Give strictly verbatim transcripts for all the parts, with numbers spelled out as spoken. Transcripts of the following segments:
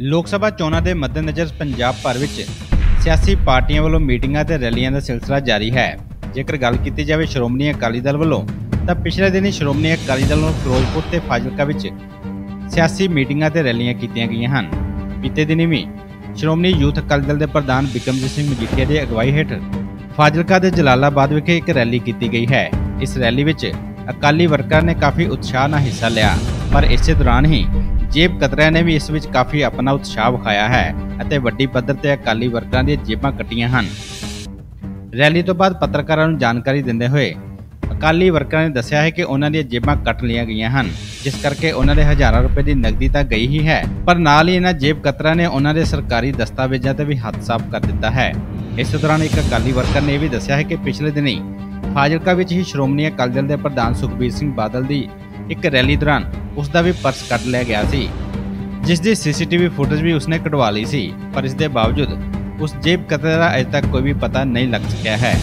लोक सभा चोणां दे मद्देनज़र पंजाब भर विच सियासी पार्टियां वालों मीटिंगां ते रैलियां दा सिलसिला जारी है। जेकर गल कीती जावे श्रोमणी अकाली दल वालों तां पिछले दिन ही श्रोमणी अकाली दल वालों फिरोजपुर ते फाजिलका विच सियासी मीटिंगां ते रैलियां कीतियां गईयां हन। बीते दिन भी श्रोमणी यूथ अकाली दल के प्रधान बिक्रमजीत सिंह मजीठिया की अगवाई हेठ फाजिलका के जलालाबाद विखे एक रैली की गई है। इस रैली विच अकाली वर्करां ने काफ़ी उत्साह नाल हिस्सा लिया, पर इस दौरान ही जेब कतरिया ने भी इस विच काफ़ी अपना उत्साह विखाया है ਅਤੇ ਵੱਡੀ ਪੱਧਰ ਤੇ ਅਕਾਲੀ ਵਰਕਰਾਂ ਦੀਆਂ ਜੇਬਾਂ ਕੱਟੀਆਂ ਹਨ। ਰੈਲੀ ਤੋਂ ਬਾਅਦ ਪੱਤਰਕਾਰਾਂ ਨੂੰ ਜਾਣਕਾਰੀ ਦਿੰਦੇ ਹੋਏ ਅਕਾਲੀ ਵਰਕਰਾਂ ਨੇ ਦੱਸਿਆ ਹੈ ਕਿ ਉਹਨਾਂ ਦੀਆਂ ਜੇਬਾਂ ਕੱਟ ਲਈਆਂ ਗਈਆਂ ਹਨ, ਜਿਸ ਕਰਕੇ ਉਹਨਾਂ ਦੇ ਹਜ਼ਾਰਾਂ ਰੁਪਏ ਦੀ ਨਕਦੀ ਤਾਂ ਗਈ ਹੀ ਹੈ, ਪਰ ਨਾਲ ਹੀ ਇਹਨਾਂ ਜੇਬ ਕਤਰਾਂ ਨੇ ਉਹਨਾਂ ਦੇ ਸਰਕਾਰੀ ਦਸਤਾਵੇਜ਼ਾਂ ਤੇ ਵੀ ਹੱਥ ਸਾਫ਼ ਕਰ ਦਿੱਤਾ ਹੈ। ਇਸ ਦੌਰਾਨ ਇੱਕ ਅਕਾਲੀ ਵਰਕਰ ਨੇ ਇਹ ਵੀ ਦੱਸਿਆ ਹੈ ਕਿ ਪਿਛਲੇ ਦਿਨੀ ਫਾਜ਼ਿਲਕਾ ਵਿੱਚ ਹੀ ਸ਼੍ਰੋਮਣੀ ਅਕਾਲੀ ਦਲ ਦੇ ਪ੍ਰਧਾਨ ਸੁਖਬੀਰ ਸਿੰਘ ਬਾਦਲ ਦੀ ਇੱਕ ਰੈਲੀ ਦੌਰਾਨ ਉਸ ਦਾ ਵੀ ਪਰਸ ਕੱਢ ਲਿਆ ਗਿਆ ਸੀ, जिस दी सीसीटीवी फुटेज भी उसने कटवा ली सी, पर इसके बावजूद उस जेब कतरे का अजे तक कोई भी पता नहीं लग सकिया है।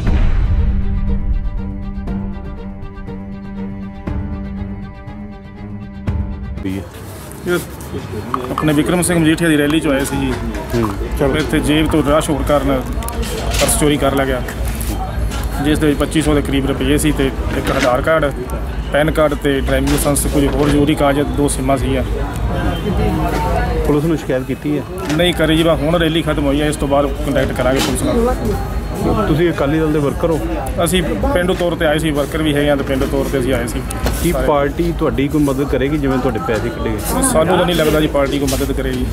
अपने बिक्रम सिंह मजीठिया की रैली चो आए सी जी, इत्थे जेब तो राह छोड़ कारण पर्स चोरी कर लिया गया, जिस दे पच्ची सौ के करीब रुपये सी ते एक आधार कार्ड, पैन कार्ड ते ड्राइविंग लाइसेंस, कुछ होर जरूरी कागज, दो सिमां सी। पुलिस ने शिकायत की है? नहीं करी जी, हुण रैली खत्म हुई है, इस तो बाद कंटैक्ट करांगे पुलिस नाल। तुसीं अकाली दल दे वर्कर हो? असीं पिंडू तौर पर आए सी, वर्कर भी है तो पिंडू तौर पर असीं आए सी। की पार्टी तुहाडी कोई मदद करेगी जिवें तुहाडे पैसे कढे गए? सानूं तां नहीं लगदा जी पार्टी कोई मदद करेगी।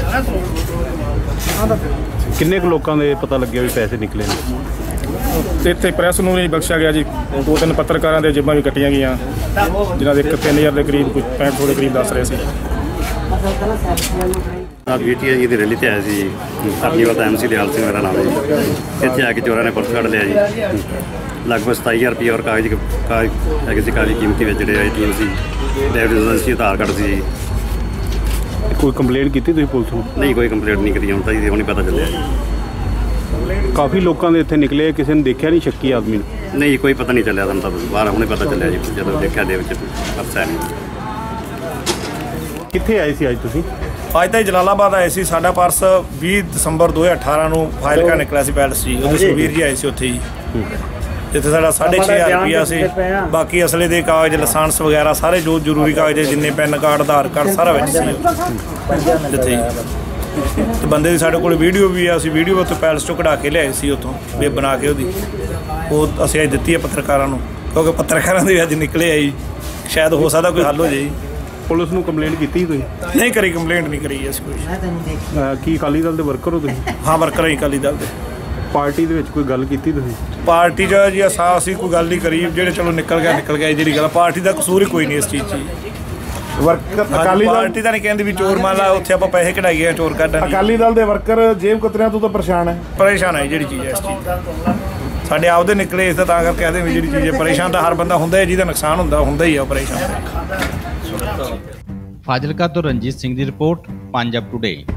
किन्ने कुछ लोकां दे पता लग्गिया भी पैसे निकले ने? इत्थे प्रैस नूं नहीं बख्शिया गया जी, दो तीन पत्रकारां दे जेबां भी कट्टियां गईयां, जिन्हां दे एक तीन हज़ार के करीब कुछ पैंठ सौ के करीब दस रहे सी। मजीठिया जी की रैली ते आए सी, अपनी वाला एम सी दयाल सिंह मेरा नाम है जी। इत्थे आके चोरां ने पर्स कढ़ लिया जी, लगभग सताई हज़ार रुपये और कागज कागज है सी, कागज कीमती में जोड़े आई टी एम सी, ड्राइविंग लाइसेंस सी, आधार कार्ड सी। कोई कंप्लेंट की तुसीं पुलिस नूं? नहीं, कोई कंप्लेंट नहीं करी, हुण तां जी हुण पता चलिया जी। काफ़ी लोगों ने इत्थे निकले, किसी ने देखा नहीं शक्की आदमी ने? नहीं, कोई पता नहीं चलिया, तुम तो बाहर हुणे पता चलिया जी, जदों देखिया दे विच पर्स है नहीं। कित्थे आए सी अज तुसीं? अज तो जलालाबाद आए सी, साडा पर्स बीस दसंबर दो हज़ार अठारह नूं फाजिलका निकलिया सी पैलेस जी, उहदे सुखबीर जी आए सी उत्थे जी, जिथे साडा साढ़े छे हज़ार रुपया सी, बाकी असले दे कागज, लाइसेंस वगैरह सारे जो जरूरी कागज जिन्ने पैन कार्ड, आधार कार्ड सारा विच सी जिथे। तो बंदे की साढ़े कोल वीडियो भी है, असीं वीडियो उत्थे पैलेस चों कढ़ा के लिआए सी उत्थों वे बना के, उहदी वो असीं अज दित्ती है पत्रकारां नूं, क्योंकि पत्रकारां दे अज निकले आई, शायद हो सकदा कोई हल हो जाए। पुलिस नूं कंप्लेंट कीती कोई? नहीं करी, कंप्लेंट नहीं करी असीं कोई। की अकाली दल दे वर्कर हो तुसीं? हाँ, वर्कर ही अकाली दल दे। पार्टी दे विच कोई गल कीती तुसीं? पार्टी च जी असां असीं कोई गल नहीं करी, जेह्ड़े चलो निकल गया निकल गया, जिहड़ी गल पार्टी दा कसूर ही कोई नहीं इस चीज़ च। वर्कर अकाली दल पार्टी ਤਾਂ ਨਹੀਂ ਕਹਿੰਦੀ ਵੀ ਚੋਰ ਮੰਨ ਲਾ ਉੱਥੇ ਆਪਾਂ ਪੈਸੇ ਕਢਾਈਏ ਚੋਰ ਕੱਢਣ। ਅਕਾਲੀ ਦਲ ਦੇ ਵਰਕਰ ਜੇਬ ਕਤਰਿਆਂ ਤੋਂ ਤਾਂ ਪਰੇਸ਼ਾਨ ਹੈ। ਪਰੇਸ਼ਾਨ ਹੈ ਜਿਹੜੀ ਚੀਜ਼ ਹੈ ਇਸ ਚੀਜ਼ ਦਾ, ਸਾਡੇ ਆਪਦੇ ਨਿਕਲੇ ਇਸ ਦਾ, ਤਾਂ ਕਰਕੇ ਕਹਦੇ ਵੀ ਜਿਹੜੀ ਚੀਜ਼ ਹੈ ਪਰੇਸ਼ਾਨ ਤਾਂ ਹਰ ਬੰਦਾ ਹੁੰਦਾ ਹੈ, ਜਿਹਦਾ ਨੁਕਸਾਨ ਹੁੰਦਾ ਹੁੰਦਾ ਹੀ ਆ ਪਰੇਸ਼ਾਨ। ਫਾਜ਼ਿਲਕਾ ਤੋਂ ਰਣਜੀਤ ਸਿੰਘ ਦੀ ਰਿਪੋਰਟ, ਪੰਜਾਬ ਟੁਡੇ।